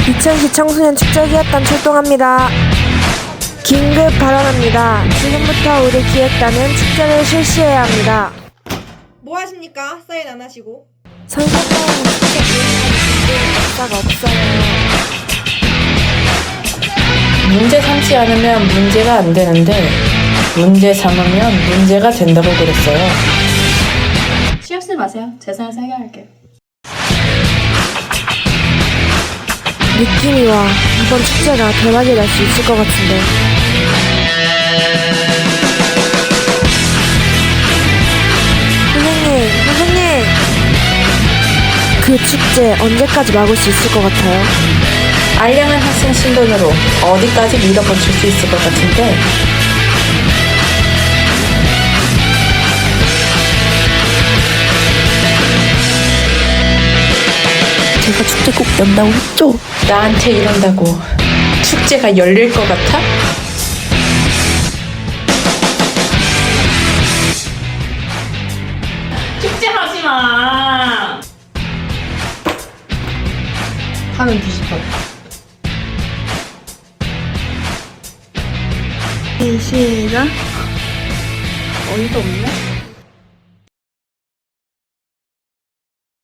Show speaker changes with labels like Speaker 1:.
Speaker 1: 이천시 청소년 축제기획단 출동합니다. 긴급 발언합니다. 지금부터 우리 기획단은 축제를 실시해야 합니다.
Speaker 2: 뭐 하십니까? 사인 안 하시고.
Speaker 1: 선생님, 축제 기획단은 역사가 없어요.
Speaker 3: 문제 삼지 않으면 문제가 안 되는데 문제 삼으면 문제가 된다고 그랬어요.
Speaker 4: 신경 쓰지 마세요. 재산에서 해결할게요.
Speaker 1: 느낌이 와. 이번 축제가 대박이 날 수 있을 것 같은데. 선생님! 그 축제 언제까지 막을 수 있을 것 같아요?
Speaker 3: 알량한 학생 신분으로 어디까지 밀어붙일 수 있을 것 같은데
Speaker 1: 제가 축제 꼭 연다고 했죠?
Speaker 3: 나한테 이런다고 축제가 열릴 것 같아?
Speaker 4: 축제하지 마! 하면 뒤집어.
Speaker 1: 시작.
Speaker 4: 어이가 없네?